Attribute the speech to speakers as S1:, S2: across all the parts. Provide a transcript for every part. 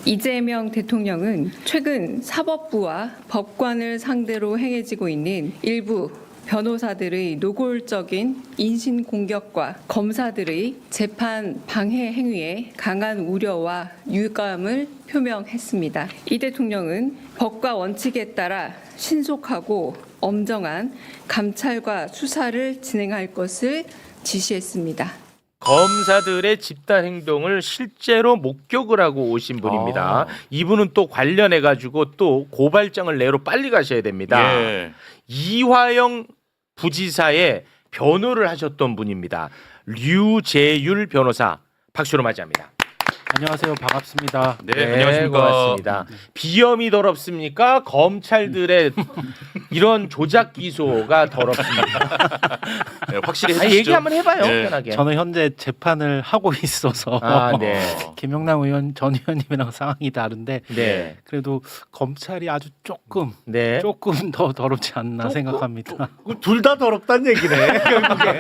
S1: 이재명 대통령은 최근 사법부와 법관을 상대로 행해지고 있는 일부 변호사들의 노골적인 인신 공격과 검사들의 재판 방해 행위에 강한 우려와 유감을 표명했습니다. 이 대통령은 법과 원칙에 따라 신속하고 엄정한 감찰과 수사를 진행할 것을 지시했습니다.
S2: 검사들의 집단 행동을 실제로 목격을 하고 오신 분입니다. 이분은 또 관련해 가지고 또 고발장을 내러 빨리 가셔야 됩니다.
S3: 예.
S2: 이화영 부지사의 변호를 하셨던 분입니다. 류재율 변호사 박수로 맞이합니다.
S4: 안녕하세요. 반갑습니다.
S3: 네, 안녕하십니까.
S2: 고맙습니다. 비염이 더럽습니까? 검찰들의 이런 조작 기소가 더럽습니까?
S3: 네, 확실히
S2: 아니,
S3: 해주시죠.
S2: 얘기 한번 해봐요.
S3: 네.
S2: 편하게.
S4: 저는 현재 재판을 하고 있어서
S2: 네.
S4: 김영남 의원 전 의원님이랑 상황이 다른데
S2: 네.
S4: 그래도 검찰이 아주 조금 더 더럽지 않나 생각합니다.
S5: 둘 다 더럽다는 얘기네. 결국에.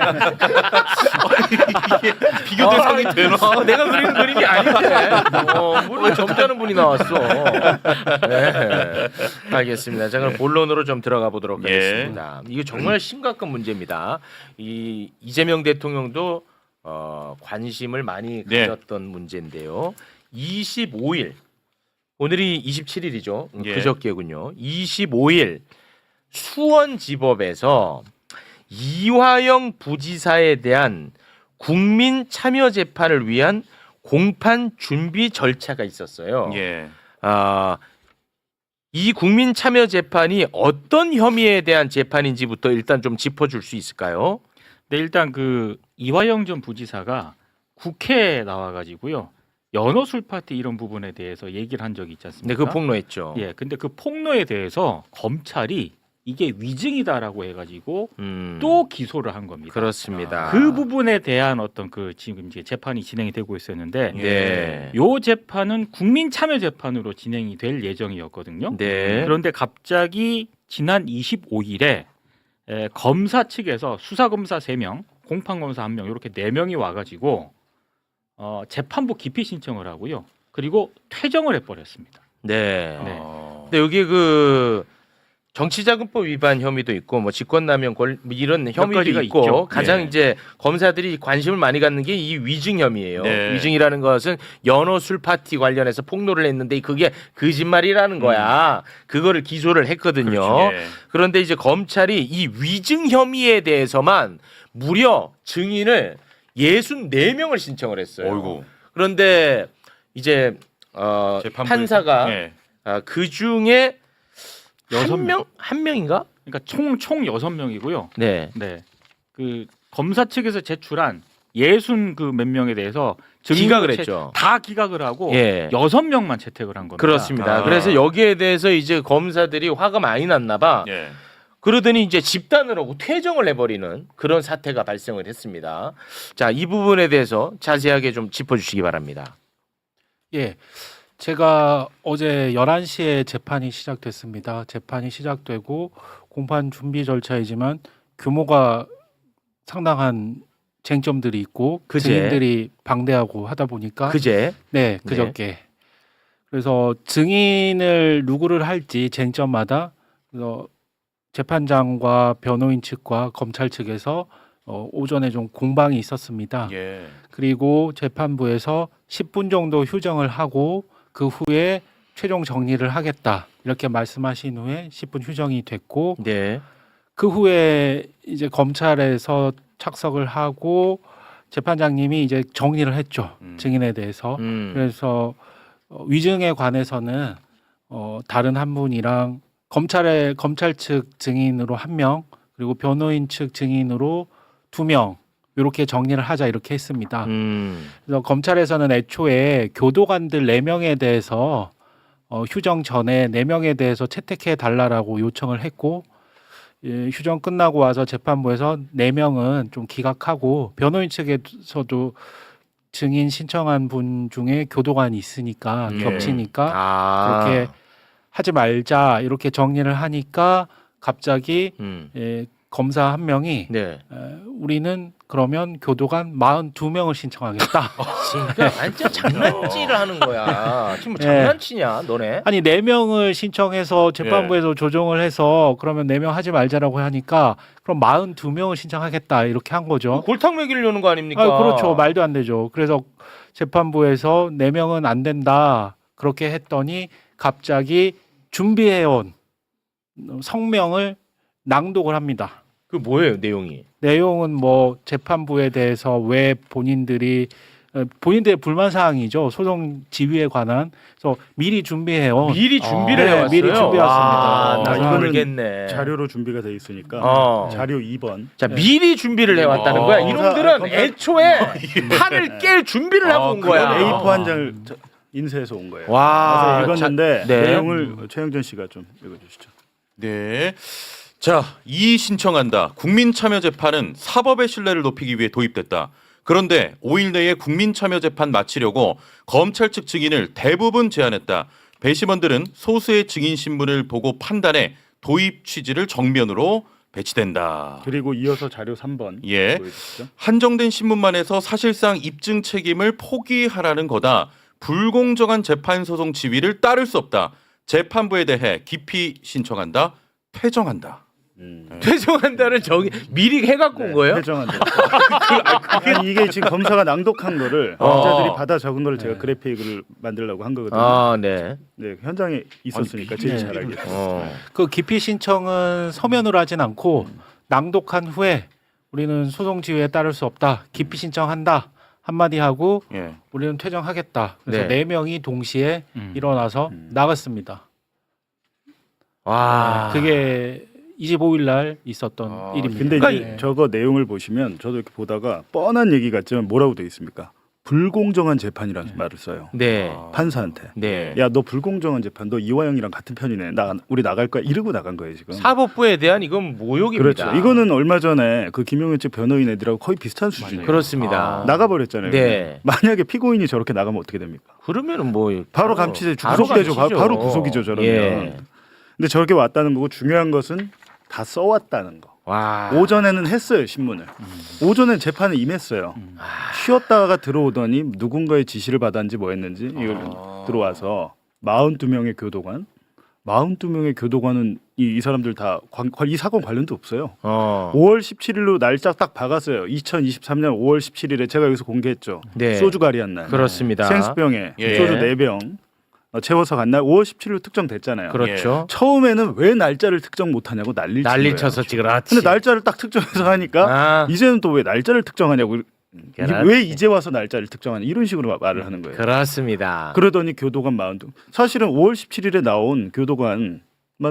S3: 비교 대상이 되나?
S2: 내가 그리는 그림이 아닌데. 뭘 점잖은 분이 나왔어. 네. 알겠습니다. 자, 그럼 본론으로 좀 들어가 보도록 하겠습니다. 이거 정말 심각한 문제입니다. 이재명 대통령도 관심을 많이 가졌던 문제인데요. 25일 오늘이 27일이죠.
S3: 예.
S2: 그저께군요. 25일 수원지법에서 이화영 부지사에 대한 국민 참여 재판을 위한 공판 준비 절차가 있었어요.
S3: 예.
S2: 이 국민 참여 재판이 어떤 혐의에 대한 재판인지부터 일단 좀 짚어줄 수 있을까요?
S6: 네, 일단 그 이화영 전 부지사가 국회에 나와가지고요 연어 술 파티 이런 부분에 대해서 얘기를 한 적이 있지 않습니까?
S2: 네, 그 폭로했죠.
S6: 예, 근데 그 폭로에 대해서 검찰이 이게 위증이다라고 해가지고 또 기소를 한 겁니다.
S2: 그렇습니다.
S6: 그 부분에 대한 어떤 그 지금 이제 재판이 진행이 되고 있었는데,
S2: 네.
S6: 요 재판은 국민 참여 재판으로 진행이 될 예정이었거든요.
S2: 네.
S6: 그런데 갑자기 지난 25일에 검사 측에서 수사검사 3명, 공판검사 1명 이렇게 4명이 와가지고 재판부 기피 신청을 하고요. 그리고 퇴정을 해버렸습니다.
S2: 네.
S6: 네.
S2: 근데 여기 그 정치자금법 위반 혐의도 있고 뭐 직권남용 이런 혐의도
S6: 가지가
S2: 있고
S6: 있죠.
S2: 가장
S6: 네.
S2: 이제 검사들이 관심을 많이 갖는 게 이 위증 혐의예요.
S3: 네.
S2: 위증이라는 것은 연어 술 파티 관련해서 폭로를 했는데 그게 거짓말이라는 거야. 그거를 기소를 했거든요.
S3: 그렇죠. 예.
S2: 그런데 이제 검찰이 이 위증 혐의에 대해서만 무려 증인을 64명을 신청을 했어요.
S3: 어이구.
S2: 그런데 이제
S3: 재판부에서?
S2: 판사가
S3: 예.
S2: 그 중에 한
S6: 명.
S2: 명인가?
S6: 그러니까 총 6명이고요.
S2: 네.
S6: 네. 그 검사 측에서 제출한 60 그 몇 명에 대해서
S2: 기각을 했죠.
S6: 다 기각을 하고
S2: 예.
S6: 6명만 채택을 한 겁니다.
S2: 그렇습니다.
S3: 아.
S2: 그래서 여기에 대해서 이제 검사들이 화가 많이 났나 봐.
S3: 예.
S2: 그러더니 이제 집단을 하고 퇴정을 해버리는 그런 사태가 발생을 했습니다. 자, 이 부분에 대해서 자세하게 좀 짚어주시기 바랍니다.
S4: 예. 제가 어제 11시에 재판이 시작됐습니다. 재판이 시작되고 공판 준비 절차이지만 규모가 상당한 쟁점들이 있고
S2: 그제.
S4: 증인들이 방대하고 하다 보니까
S2: 그제?
S4: 네, 그저께. 그래서 증인을 누구를 할지 쟁점마다 그래서 재판장과 변호인 측과 검찰 측에서 오전에 좀 공방이 있었습니다.
S3: 예.
S4: 그리고 재판부에서 10분 정도 휴정을 하고 그 후에 최종 정리를 하겠다 이렇게 말씀하신 후에 10분 휴정이 됐고
S2: 네.
S4: 그 후에 이제 검찰에서 착석을 하고 재판장님이 이제 정리를 했죠. 증인에 대해서. 그래서 위증에 관해서는 다른 한 분이랑 검찰 측 증인으로 1명 그리고 변호인 측 증인으로 2명 이렇게 정리를 하자 이렇게 했습니다. 그래서 검찰에서는 애초에 교도관들 4명에 대해서 휴정 전에 4명에 대해서 채택해 달라라고 요청을 했고 휴정 끝나고 와서 재판부에서 4명은 좀 기각하고 변호인 측에서도 증인 신청한 분 중에 교도관이 있으니까 겹치니까 그렇게 하지 말자 이렇게 정리를 하니까 갑자기 검사 한 명이
S2: 네.
S4: 우리는 그러면 교도관 42명을 신청하겠다.
S2: 진짜 완전 장난질을 하는 거야. 지금 뭐
S4: 네.
S2: 장난치냐, 너네?
S4: 아니 4명을 신청해서 재판부에서 조정을 해서 그러면 4명 하지 말자라고 하니까 그럼 42명을 신청하겠다 이렇게 한 거죠.
S2: 골탕 먹이려는 거 아닙니까?
S4: 그렇죠. 말도 안 되죠. 그래서 재판부에서 4명은 안 된다 그렇게 했더니 갑자기 준비해온 성명을 낭독을 합니다.
S2: 그 뭐예요, 내용이?
S4: 내용은 뭐 재판부에 대해서 왜 본인들의 불만 사항이죠. 소송 지휘에 관한. 그래서 미리 준비해온.
S2: 미리 준비를
S4: 네,
S2: 해왔어요.
S4: 미리 준비해왔습니다.
S2: 와, 나
S5: 이거는
S2: 모르겠네.
S5: 자료로 준비가 돼 있으니까 자료 2번.
S2: 자, 미리 준비를 해왔다는 거야. 이놈들은
S5: 검사-
S2: 애초에 판을 깰 준비를 하고 온 거야.
S5: A4 한 장을 인쇄해서 온 거예요.
S2: 와,
S5: 그래서 읽었는데
S2: 네.
S5: 내용을 최영준 씨가 좀 읽어주시죠.
S3: 네. 자, 이의 신청한다. 국민참여재판은 사법의 신뢰를 높이기 위해 도입됐다. 그런데 5일 내에 국민참여재판 마치려고 검찰 측 증인을 대부분 제안했다. 배심원들은 소수의 증인 신문을 보고 판단해 도입 취지를 정면으로 배치된다.
S5: 그리고 이어서 자료 3번
S3: 예.
S5: 보여주시죠.
S3: 한정된 신문만 해서 사실상 입증 책임을 포기하라는 거다. 불공정한 재판 소송 지휘를 따를 수 없다. 재판부에 대해 깊이 신청한다. 퇴정한다.
S2: 죄송한다는 저기 미리 해갖고 온 거예요?
S5: 회정한다. 아니, 이게 지금 검사가 낭독한 거를 검사들이 받아 적은 거를 제가 그래픽을 만들려고 한 거거든요.
S2: 아, 네.
S5: 네, 현장에 있었으니까 제일 잘 알겠어요.
S4: 그 기피 신청은 서면으로 하진 않고 낭독한 후에 우리는 소송 지휘에 따를 수 없다. 기피 신청한다. 한마디 하고
S3: 예.
S4: 우리는 퇴정하겠다. 그래서
S2: 네.
S4: 4명이 동시에 일어나서 나갔습니다.
S2: 와,
S4: 그게 25일 날 있었던 일입니다.
S5: 근데
S2: 그러니까
S5: 이제 저거 내용을 보시면 저도 이렇게 보다가 뻔한 얘기 같지만 뭐라고 돼 있습니까? 불공정한 재판이라는 말을 써요.
S2: 네.
S5: 판사한테.
S2: 네.
S5: 야, 너 불공정한 재판, 너 이화영이랑 같은 편이네. 우리 나갈 거야. 이러고 나간 거예요 지금.
S2: 사법부에 대한 이건 모욕입니다.
S5: 그렇죠. 이거는 얼마 전에 그 김용현 측 변호인 애들하고 거의 비슷한 수준이에요.
S2: 그렇습니다.
S5: 나가버렸잖아요.
S2: 네.
S5: 만약에 피고인이 저렇게 나가면 어떻게 됩니까?
S2: 그러면은 뭐
S5: 바로 감치돼
S2: 바로
S5: 구속되죠.
S2: 감치죠.
S5: 바로 구속이죠. 저러면.
S2: 예.
S5: 근데 저렇게 왔다는 거고 중요한 것은 다 써왔다는 거.
S2: 와.
S5: 오전에는 했어요 신문을. 오전엔 재판에 임했어요. 쉬었다가 들어오더니 누군가의 지시를 받았는지 뭐 했는지 이걸 들어와서 42명의 교도관. 42명의 교도관은 이 사람들 다 이 사건 관련도 없어요. 5월 17일로 날짜 딱 박았어요. 2023년 5월 17일에 제가 여기서 공개했죠.
S2: 네.
S5: 소주 가리한 날.
S2: 그렇습니다.
S5: 생수병에
S3: 예.
S5: 소주 4병 채워서 간 날 5월 17일로 특정됐잖아요.
S2: 그렇죠.
S5: 처음에는 왜 날짜를 특정 못하냐고 난리를 친
S2: 난리
S5: 거예요.
S2: 쳐서 그렇지.
S5: 근데 날짜를 딱 특정해서 하니까
S2: 아,
S5: 이제는 또 왜 날짜를 특정하냐고
S2: 그렇지.
S5: 왜 이제 와서 날짜를 특정하냐 이런 식으로 말을 하는 거예요.
S2: 그렇습니다.
S5: 그러더니 교도관 42 사실은 5월 17일에 나온 교도관만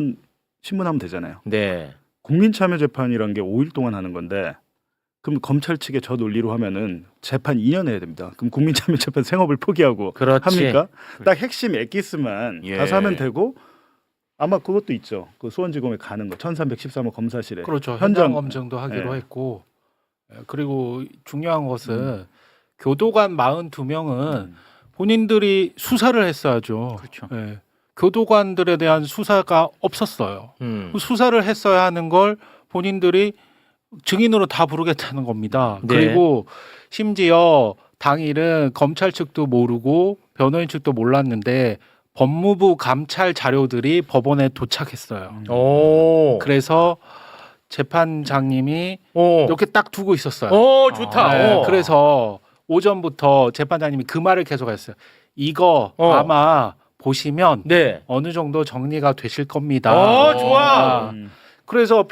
S5: 신문하면 되잖아요.
S2: 네.
S5: 국민참여재판이란 게 5일 동안 하는 건데 그럼 검찰 측의 저 논리로 하면은 재판 2년 해야 됩니다. 그럼 국민참여재판 생업을 포기하고
S2: 그렇지.
S5: 합니까? 딱 핵심 엑기스만
S3: 예.
S5: 가서 하면 되고 아마 그것도 있죠. 그 수원지검에 가는 거 1313호 검사실에
S4: 그렇죠. 현장
S5: 현장
S4: 검증도 하기로
S5: 네.
S4: 했고 그리고 중요한 것은 교도관 42명은 본인들이 수사를 했어야죠.
S6: 그렇죠.
S4: 예. 교도관들에 대한 수사가 없었어요. 수사를 했어야 하는 걸 본인들이 증인으로 다 부르겠다는 겁니다.
S2: 네.
S4: 그리고 심지어 당일은 검찰 측도 모르고 변호인 측도 몰랐는데 법무부 감찰 자료들이 법원에 도착했어요.
S2: 오.
S4: 그래서 재판장님이
S2: 오.
S4: 이렇게 딱 두고 있었어요.
S2: 오, 좋다.
S4: 네,
S2: 오.
S4: 그래서 오전부터 재판장님이 그 말을 계속했어요. 이거 아마 보시면
S2: 네.
S4: 어느 정도 정리가 되실 겁니다.
S2: 좋아.
S4: 그래서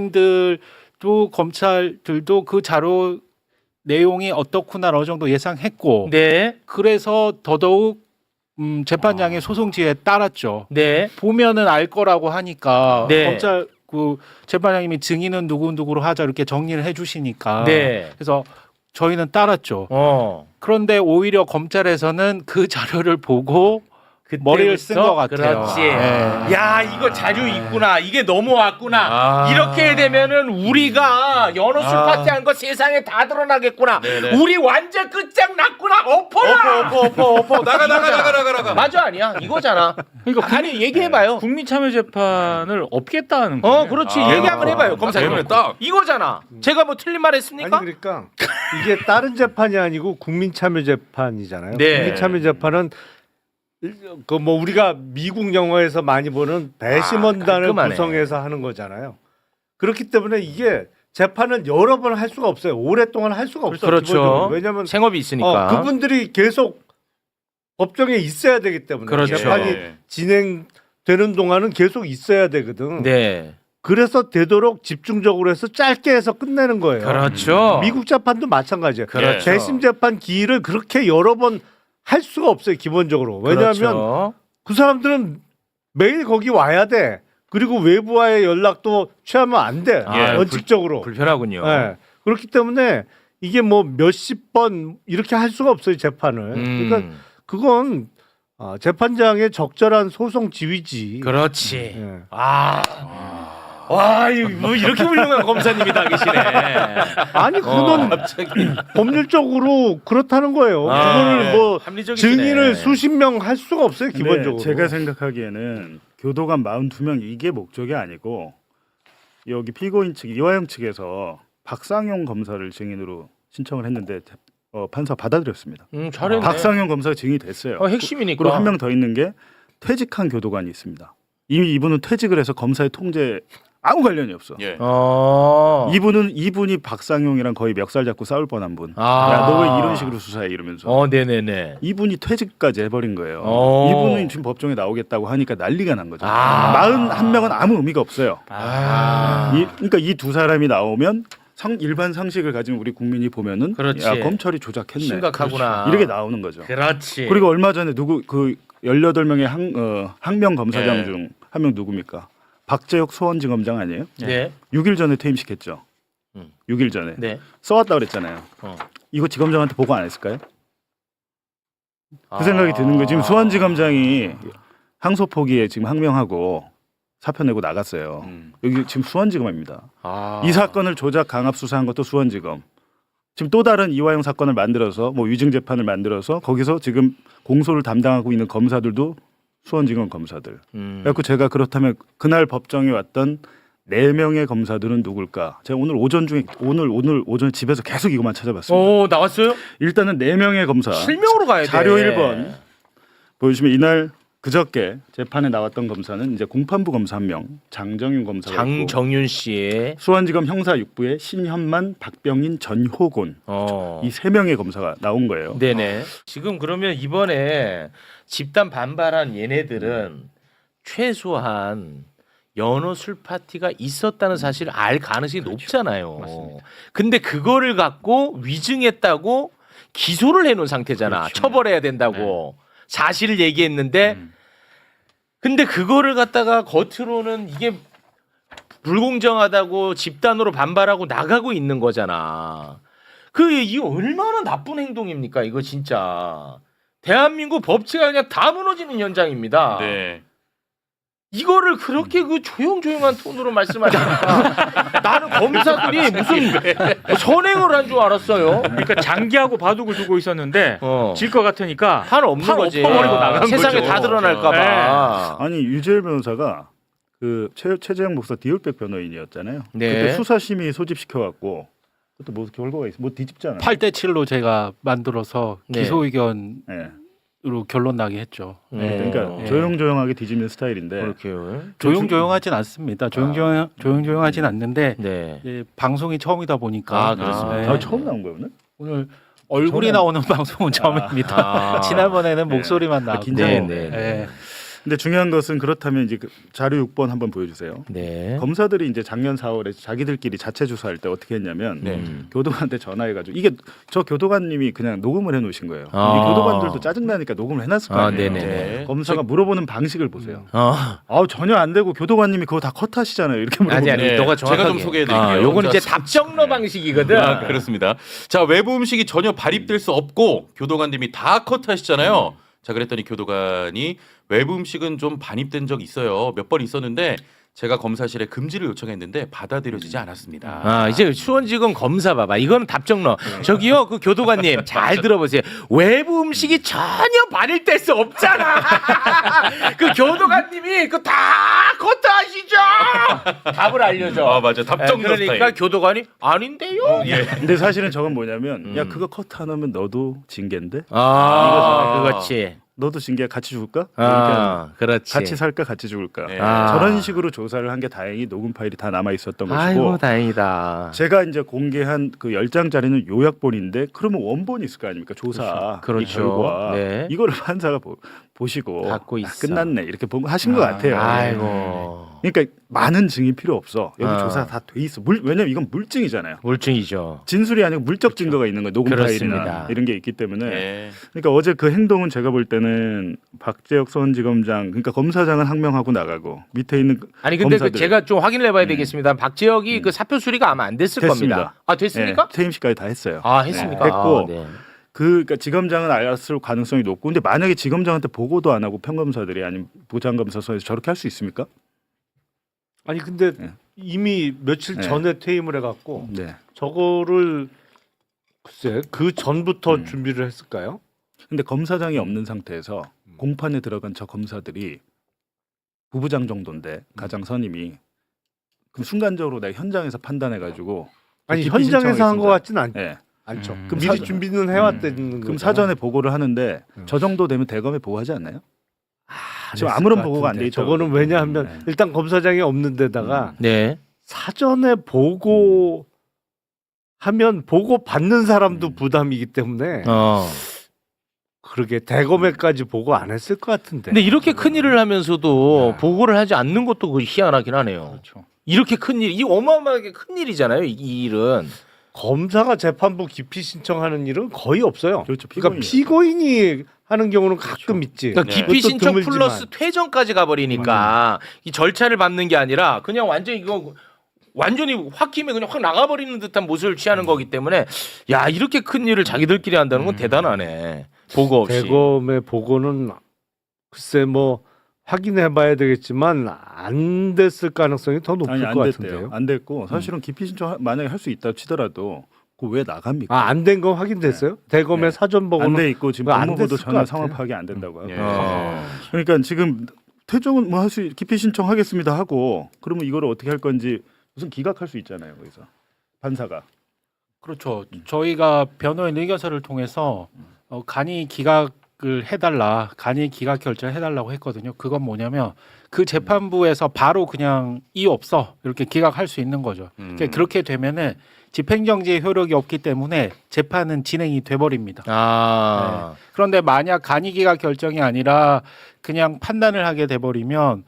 S4: 변호인들도 검찰들도 그 자료 내용이 어떻구나 어느 정도 예상했고
S2: 네.
S4: 그래서 더더욱 재판장의 소송 지휘에 따랐죠.
S2: 네.
S4: 보면은 알 거라고 하니까
S2: 네.
S4: 검찰 그 재판장님이 증인은 누구누구로 하자 이렇게 정리를 해주시니까
S2: 네.
S4: 그래서 저희는 따랐죠.
S2: 어.
S4: 그런데 오히려 검찰에서는 그 자료를 보고 머리를 쓴 것 같아요.
S2: 그렇지.
S4: 네.
S2: 야 이거 자료 있구나. 이게 넘어왔구나.
S3: 아.
S2: 이렇게 되면은 우리가 연어 술 파티 한 거 세상에 다 드러나겠구나.
S3: 네네.
S2: 우리 완전 끝장났구나. 엎어라.
S3: 엎어 나가.
S2: 맞아 아니야? 이거잖아.
S6: 그러니까
S2: 아니 얘기해봐요.
S6: 국민참여재판을 없겠다는 거예요.
S2: 그렇지.
S3: 아,
S2: 얘기 한번 해봐요. 검사님.
S3: 그러면 딱.
S2: 이거잖아. 제가 뭐 틀린 말 했습니까?
S7: 아니 그러니까 이게 다른 재판이 아니고 국민참여재판이잖아요.
S2: 네.
S7: 국민참여재판은 그 뭐 우리가 미국 영화에서 많이 보는 배심원단을
S2: 깔끔하네.
S7: 구성해서 하는 거잖아요. 그렇기 때문에 이게 재판은 여러 번 할 수가 없어요. 오랫동안 할 수가 없어요.
S2: 그렇죠.
S7: 기본적으로. 왜냐하면
S2: 생업이 있으니까.
S7: 그분들이 계속 법정에 있어야 되기 때문에
S2: 그렇죠.
S7: 재판이
S3: 네.
S7: 진행되는 동안은 계속 있어야 되거든.
S2: 네.
S7: 그래서 되도록 집중적으로 해서 짧게 해서 끝내는 거예요.
S2: 그렇죠.
S7: 미국 재판도 마찬가지예요.
S2: 그렇죠.
S7: 재심 재판 기일을 그렇게 여러 번 할 수가 없어요. 기본적으로. 왜냐하면
S2: 그렇죠.
S7: 그 사람들은 매일 거기 와야 돼. 그리고 외부와의 연락도 취하면 안 돼.
S2: 아,
S7: 원칙적으로.
S2: 불편하군요.
S7: 네. 그렇기 때문에 이게 뭐 몇십 번 이렇게 할 수가 없어요. 재판을. 그러니까 그건 재판장의 적절한 소송 지휘지.
S2: 그렇지.
S7: 예.
S2: 와, 뭐 이렇게 훌륭한 검사님이 다 계시네.
S7: 아니 그건 법률적으로 그렇다는 거예요. 그거를 뭐
S2: 합리적이시네.
S7: 증인을 수십 명 할 수가 없어요.
S5: 근데
S7: 기본적으로.
S5: 제가 생각하기에는 교도관 42명 이게 목적이 아니고 여기 피고인 측 이화영 측에서 박상용 검사를 증인으로 신청을 했는데 판사 받아들였습니다.
S2: 잘했네.
S5: 박상용 검사가 증인이 됐어요.
S2: 핵심이니까.
S5: 그리고 한 명 더 있는 게 퇴직한 교도관이 있습니다. 이미 이분은 퇴직을 해서 검사의 통제 아무 관련이 없어.
S3: 예.
S5: 이분이 박상용이랑 거의 멱살 잡고 싸울 뻔한 분.
S2: 아.
S5: 야, 너 왜 이런 식으로 수사해 이러면서.
S2: 네네네.
S5: 이분이 퇴직까지 해버린 거예요.
S2: 어.
S5: 이분은 지금 법정에 나오겠다고 하니까 난리가 난 거죠.
S2: 아.
S5: 41명은 아무 의미가 없어요.
S2: 아.
S5: 그러니까 이 두 사람이 나오면 일반 상식을 가진 우리 국민이 보면은
S2: 그렇지.
S5: 야, 검찰이 조작했네.
S2: 심각하구나.
S5: 이렇게 나오는 거죠.
S2: 그렇지.
S5: 그리고 얼마 전에 그 18명의 항명 검사장
S3: 네.
S5: 중 한 명 누굽니까? 박재혁 소원지검장 아니에요?
S2: 네.
S5: 6일 전에 퇴임시켰죠.
S2: 음.
S5: 6일 전에
S2: 네.
S5: 써왔다 그랬잖아요. 이거 지검장한테 보고 안 했을까요? 그 생각이 드는 거예요. 지금 수원지검장이 항소 포기에 지금 항명하고 사표 내고 나갔어요. 여기 지금 수원지검입니다. 이 사건을 조작 강압 수사한 것도 수원지검. 지금 또 다른 이화영 사건을 만들어서 뭐 위증 재판을 만들어서 거기서 지금 공소를 담당하고 있는 검사들도 수원지검 검사들. 그래서 제가 그렇다면 그날 법정에 왔던 4명의 검사들은 누굴까? 제가 오늘 오전에 집에서 계속 이것만 찾아봤습니다.
S2: 나왔어요?
S5: 일단은 4명의 검사.
S2: 실명으로 가야 돼.
S5: 자료 1번 보여주시면 이날 그저께 재판에 나왔던 검사는 이제 공판부 검사 1명, 장정윤 검사가 있고
S2: 장정윤 씨의
S5: 수원지검 형사 6부의 신현만, 박병인, 전효곤 이 3명의 검사가 나온 거예요.
S2: 네네. 지금 그러면 이번에 집단 반발한 얘네들은 최소한 연어 술 파티가 있었다는 사실을 알 가능성이 높잖아요.
S6: 맞습니다.
S2: 근데 그거를 갖고 위증했다고 기소를 해놓은 상태잖아.
S6: 그렇죠.
S2: 처벌해야 된다고 사실을 얘기했는데 근데 그거를 갖다가 겉으로는 이게 불공정하다고 집단으로 반발하고 나가고 있는 거잖아. 이 얼마나 나쁜 행동입니까? 이거 진짜 대한민국 법치가 그냥 다 무너지는 현장입니다.
S3: 네.
S2: 이거를 그렇게 그 조용조용한 톤으로 말씀하시니까 나는 검사들이 무슨 선행을 한 줄 알았어요.
S6: 그러니까 장기하고 바둑을 두고 있었는데
S2: 어.
S6: 질 것 같으니까
S2: 한 없는
S6: 팔
S2: 거지.
S6: 엎어버리고 나간
S2: 세상에
S6: 거죠.
S2: 다 드러날까봐.
S5: 아니 유재열 변호사가 그 최재형 목사 디올백 변호인이었잖아요.
S2: 네.
S5: 그때 수사심의 소집시켜 갖고 그것도 뭐 결과가 있어. 뭐 뒤집잖아요.
S4: 8대 7로 제가 만들어서
S2: 네.
S4: 기소 의견으로
S5: 네.
S4: 결론 나게 했죠.
S5: 그러니까
S4: 네.
S5: 조용조용하게 뒤집는 스타일인데
S2: 그렇게요.
S4: 조용조용하진 않습니다. 조용조용하진 않는데
S2: 네.
S4: 이제 방송이 처음이다 보니까
S2: 아, 그렇습니다.
S5: 처음 나온 거예요 오늘?
S4: 오늘 얼굴이 나오는 방송은 처음입니다. 지난번에는 목소리만 나왔고.
S5: 긴장했네.
S4: 네.
S5: 근데 중요한 것은 그렇다면 이제 그 자료 6번 한번 보여주세요.
S2: 네.
S5: 검사들이 이제 작년 4월에 자기들끼리 자체 조사할 때 어떻게 했냐면
S2: 네.
S5: 교도관한테 전화해가지고 이게 저 교도관님이 그냥 녹음을 해놓으신 거예요.
S2: 아.
S5: 이 교도관들도 짜증나니까 녹음을 해놨을 거
S2: 아,
S5: 아니에요.
S2: 네네네.
S5: 검사가 물어보는 방식을 보세요.
S2: 어.
S5: 전혀 안 되고 교도관님이 그거 다 컷하시잖아요. 이렇게 물어보면
S2: 아니
S3: 네.
S2: 너가
S3: 제가
S2: 정확하게.
S3: 좀 소개해드릴게요.
S2: 요건 이제
S3: 자,
S2: 답정너 방식이거든.
S3: 그렇습니다. 자, 외부 음식이 전혀 발입될 수 없고 교도관님이 다 컷하시잖아요. 자, 그랬더니 교도관이 외부 음식은 좀 반입된 적 있어요. 몇 번 있었는데 제가 검사실에 금지를 요청했는데 받아들여지지 않았습니다.
S2: 아, 이제 수원지검 검사 봐봐. 이거는 답정 넣어. 저기요, 그 교도관님 잘 들어보세요. 외부 음식이 전혀 반일될 수 없잖아. 그 교도관님이 그 다 커트하시죠. 답을 알려줘.
S3: 아, 맞아. 답정 넣어
S2: 그러니까
S3: 스타일.
S2: 교도관이 아닌데요.
S3: 예.
S5: 근데 사실은 저건 뭐냐면 야 그거 커트 안 하면 너도 징계인데
S2: 아, 그렇지.
S5: 너도 징계 같이 죽을까? 그러니까
S2: 그렇지.
S5: 같이 살까 같이 죽을까?
S3: 예.
S5: 저런 식으로 조사를 한 게 다행히 녹음 파일이 다 남아 있었던 것이고
S2: 아이고 다행이다.
S5: 제가 이제 공개한 그 10장짜리는 요약본인데 그러면 원본이 있을 거 아닙니까? 조사
S2: 그렇죠.
S5: 이 결과
S2: 네.
S5: 이거를 판사가 보시고
S2: 갖고
S5: 아,
S2: 있어.
S5: 끝났네 이렇게 하신 것 같아요.
S2: 아이고.
S5: 그러니까 많은 증이 필요 없어. 여기
S2: 아.
S5: 조사 다 돼 있어. 왜냐면 이건 물증이잖아요.
S2: 물증이죠.
S5: 진술이 아니고 물적 증거가 있는 거예요. 녹음
S2: 그렇습니다.
S5: 파일이나 이런 게 있기 때문에.
S3: 예.
S5: 그러니까 어제 그 행동은 제가 볼 때는 박재혁 서울지검장, 그러니까 검사장은 항명하고 나가고 밑에 있는
S2: 아니 근데 그
S5: 검사들.
S2: 제가 좀 확인을 해봐야 되겠습니다. 박재혁이 그 사표 수리가 아마 안 됐을
S5: 됐습니다.
S2: 겁니다. 아 됐습니까?
S5: 예, 퇴임식까지 다 했어요.
S2: 아 했습니까?
S5: 네, 했고
S2: 아, 네.
S5: 그러니까 지검장은 알았을 가능성이 높고, 근데 만약에 지검장한테 보고도 안 하고 평검사들이 아니면 부장검사소에서 저렇게 할 수 있습니까?
S7: 아니 근데
S5: 네.
S7: 이미 며칠
S5: 네.
S7: 전에 퇴임을 해갖고
S5: 네.
S7: 저거를 글쎄 그 전부터
S5: 음.
S7: 준비를 했을까요?
S5: 근데 검사장이 없는 상태에서 공판에 들어간 저 검사들이 부부장 정도인데 가장 선임이 그럼 순간적으로 내가 현장에서 판단해가지고
S7: 아니
S5: 기피
S7: 현장에서 한 것
S5: 신청하겠습니다.
S7: 같지는
S5: 네.
S7: 않죠.
S2: 음.
S7: 그럼
S5: 그럼
S7: 미리 준비는 해왔다는
S5: 그럼 사전에 보고를 하는데 저 정도 되면 대검에 보고하지 않나요? 지금 아무런 보고가 안 돼 있죠.
S7: 저거는 왜냐하면
S5: 네.
S7: 일단 검사장이 없는 데다가
S2: 네.
S7: 사전에 보고 하면 보고 받는 사람도 부담이기 때문에 그러게 대검에까지 보고 안 했을 것 같은데.
S2: 근데 이렇게 큰 일을 하면서도
S7: 네.
S2: 보고를 하지 않는 것도 그 희한하긴 하네요.
S6: 그렇죠.
S2: 이렇게 큰 일, 이 어마어마하게 큰 일이잖아요. 이 일은.
S7: 검사가 재판부 기피 신청하는 일은 거의 없어요.
S5: 그렇죠.
S7: 그러니까 피고인이 하는 경우는 가끔 있지.
S2: 그러니까
S3: 네.
S2: 기피
S7: 그것도
S2: 신청
S7: 드물지만.
S2: 플러스 퇴정까지 가버리니까 이 절차를 밟는 게 아니라 그냥 완전 이거 완전히 홧김에 그냥 확 나가버리는 듯한 모습을 취하는 거기 때문에 야 이렇게 큰 일을 자기들끼리 한다는 건 대단하네. 보고 없이.
S7: 대검의 보고는 글쎄 뭐 확인해봐야 되겠지만 안 됐을 가능성이 더 높을
S5: 아니 안
S7: 것
S5: 됐대요.
S7: 같은데요.
S5: 안 됐고 사실은 기피 신청 만약에 할 수 있다 치더라도 그 왜 나갑니까?
S7: 아 안 된 건 확인됐어요? 대검의
S5: 네.
S7: 사전 보고는
S5: 안 돼 있고 지금
S7: 그거 안
S5: 법무부도
S7: 됐을 것
S5: 전혀
S7: 같아요.
S5: 상황 파악이 안 된다고 하고.
S3: 예.
S5: 그러니까 지금 퇴정은 뭐 할 수 기피 신청하겠습니다 하고 그러면 이거를 어떻게 할 건지 무슨 기각할 수 있잖아요 거기서 판사가.
S4: 그렇죠. 저희가 변호인 의견서를 통해서 간이 기각을 해달라, 간이 기각 결정을 해달라고 했거든요. 그건 뭐냐면 그 재판부에서 바로 그냥 이유 없어 이렇게 기각할 수 있는 거죠. 그러니까 그렇게 되면은 집행정지의 효력이 없기 때문에 재판은 진행이 돼버립니다.
S2: 아.
S4: 그런데 만약 간이 기각 결정이 아니라 그냥 판단을 하게 돼버리면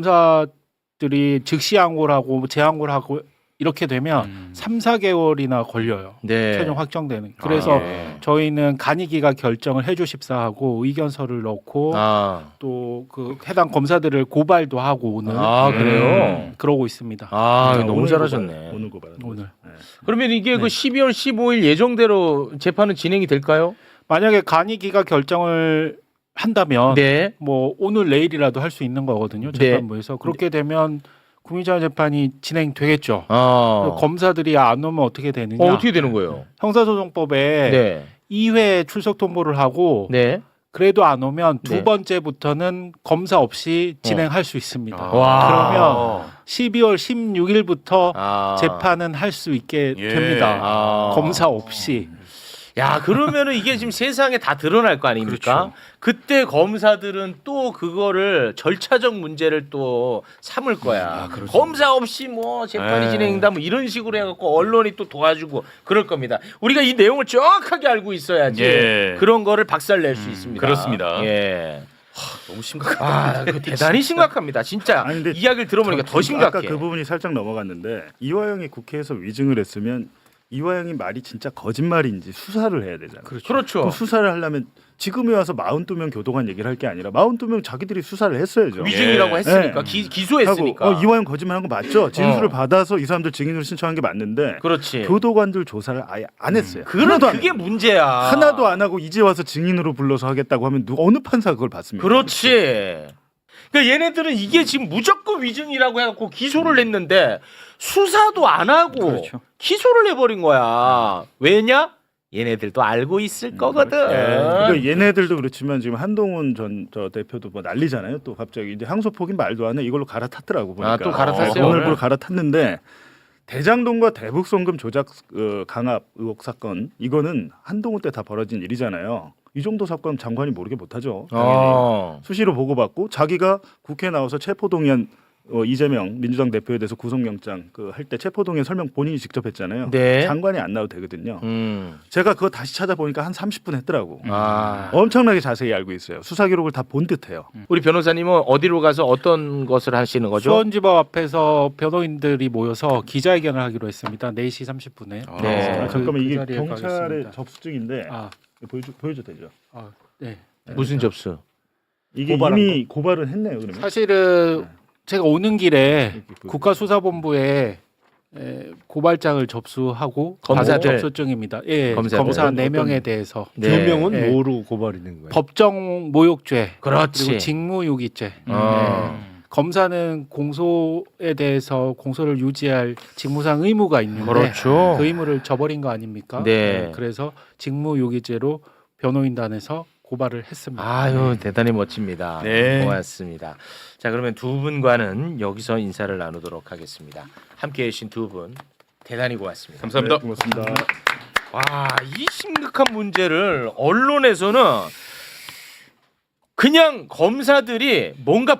S4: 검사들이 즉시 항고를 하고 재항고를 하고 이렇게 되면 3, 4개월이나 걸려요.
S2: 네.
S4: 최종 확정되는. 그래서
S2: 예.
S4: 저희는 간이 기각 결정을 해주십사 하고 의견서를 넣고 또 그 해당 검사들을 고발도 하고 오늘
S2: 아, 그래요?
S4: 그러고 있습니다.
S2: 아,
S5: 오늘
S2: 너무
S5: 고발,
S2: 잘하셨네.
S5: 오늘 고발.
S4: 오늘.
S5: 네.
S2: 그러면 이게 그 12월 15일 예정대로 재판은 진행이 될까요?
S4: 만약에 간이 기각 결정을 한다면
S2: 네.
S4: 뭐 오늘 내일이라도 할 수 있는 거거든요.
S2: 네.
S4: 재판부에서. 그렇게 되면 국민참여 재판이 진행되겠죠.
S2: 아.
S4: 검사들이 안 오면 어떻게 되느냐?
S2: 어떻게 되는 거예요?
S4: 형사소송법에
S2: 네.
S4: 2회 출석 통보를 하고
S2: 네.
S4: 그래도 안 오면 두
S2: 네.
S4: 번째부터는 검사 없이 진행할 수 있습니다.
S2: 와.
S4: 그러면 12월 16일부터
S2: 아.
S4: 재판은 할 수 있게
S3: 예.
S4: 됩니다.
S2: 아.
S4: 검사 없이.
S2: 야, 그러면은 이게 지금 세상에 다 드러날 거 아닙니까? 그때 검사들은 또 그거를 절차적 문제를 또 삼을 거야. 검사 없이 뭐 재판이
S3: 네.
S2: 진행된다 뭐 이런 식으로 해갖고 언론이 또 도와주고 그럴 겁니다. 우리가 이 내용을 정확하게 알고 있어야지
S3: 예.
S2: 그런 거를 박살낼 수 있습니다.
S3: 그렇습니다.
S2: 예.
S3: 너무 심각하다.
S2: 아, 그 대단히 심각합니다. 진짜
S5: 아니, 근데
S2: 이야기를 들어보니까 더 심각해.
S5: 아까 그 부분이 살짝 넘어갔는데 이화영이 국회에서 위증을 했으면 이화영이 말이 진짜 거짓말인지 수사를 해야 되잖아요.
S2: 그렇죠.
S5: 그 수사를 하려면 지금에 와서 42명 교도관 얘기를 할 게 아니라 42명 자기들이 수사를 했어야죠.
S2: 위증이라고 했으니까
S5: 예.
S2: 기소했으니까.
S5: 하고, 이화영 거짓말한 거 맞죠? 진술을 받아서 이 사람들 증인으로 신청한 게 맞는데
S2: 그렇지.
S5: 교도관들 조사를 아예 안 했어요.
S2: 그럼
S5: 하나도 안
S2: 그게
S5: 해요.
S2: 문제야.
S5: 하나도 안 하고 이제 와서 증인으로 불러서 하겠다고 하면 어느 판사가 그걸 받습니까?
S2: 그렇지. 그러니까 얘네들은 이게 지금 무조건 위증이라고 해갖고 기소를 했는데 수사도 안 하고
S6: 그렇죠.
S2: 기소를 해버린 거야. 왜냐? 얘네들도 알고 있을 거거든.
S5: 그러니까 얘네들도 그렇지만 지금 한동훈 전 대표도 뭐 난리잖아요. 또 갑자기 이제 항소폭인 말도 안 해. 이걸로 갈아탔더라고 보니까.
S2: 아, 또 갈아탔어요,
S5: 오늘
S2: 오늘?
S5: 갈아탔는데 대장동과 대북송금 조작 강압 의혹 사건 이거는 한동훈 때 다 벌어진 일이잖아요. 이 정도 사건 장관이 모르게 못하죠. 당연히. 수시로 보고받고 자기가 국회에 나와서 체포동의안 이재명 민주당 대표에 대해서 구속영장 할 때 체포동의안 설명 본인이 직접 했잖아요.
S2: 네.
S5: 장관이 안 나와도 되거든요. 제가 그거 다시 찾아보니까 한 30분 했더라고.
S2: 아.
S5: 엄청나게 자세히 알고 있어요. 수사 기록을 다 본 듯해요.
S2: 우리 변호사님은 어디로 가서 어떤 것을 하시는 거죠?
S4: 수원지법 앞에서 변호인들이 모여서 기자회견을 하기로 했습니다. 4시 30분에.
S2: 네.
S5: 아, 잠깐만 이게
S4: 자리에
S5: 경찰의
S4: 가겠습니다.
S5: 접수증인데
S4: 아,
S5: 보여줘 되죠?
S4: 네.
S2: 무슨 접수?
S5: 이게
S7: 고발한
S5: 이미 고발은 했네요. 그러면
S4: 사실은 제가 오는 길에
S5: 이렇게
S4: 국가수사본부에 고발장을 접수하고
S2: 검사들.
S4: 받은 접수증입니다. 예,
S2: 검사들.
S4: 검사
S5: 어떤-
S4: 4명에 대해서
S2: 네.
S7: 두 명은
S4: 네.
S7: 뭐로 고발있는 거예요?
S4: 법정 모욕죄
S2: 그렇지.
S4: 그리고 직무유기죄.
S2: 어.
S4: 검사는 공소에 대해서 공소를 유지할 직무상 의무가 있는데
S2: 그렇죠.
S4: 그 의무를 저버린 거 아닙니까?
S2: 네.
S4: 그래서 직무유기죄로 변호인단에서 고발을 했습니다.
S2: 아유 대단히 멋집니다.
S3: 네.
S2: 고맙습니다. 자 그러면 두 분과는 여기서 인사를 나누도록 하겠습니다. 함께해 주신 두 분 대단히 고맙습니다.
S3: 감사합니다.
S5: 네, 고맙습니다.
S2: 와, 이 심각한 문제를 언론에서는 그냥 검사들이 뭔가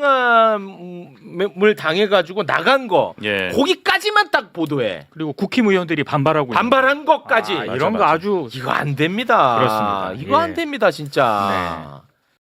S2: 부당함을 당해가지고 나간 거
S3: 예.
S2: 거기까지만 딱 보도해.
S6: 그리고 국힘의원들이 반발하고 있는
S2: 반발한 것까지
S6: 아, 이런 거 아주
S2: 이거 안 됩니다.
S6: 그렇습니다.
S2: 이거 안
S6: 예.
S2: 됩니다 진짜.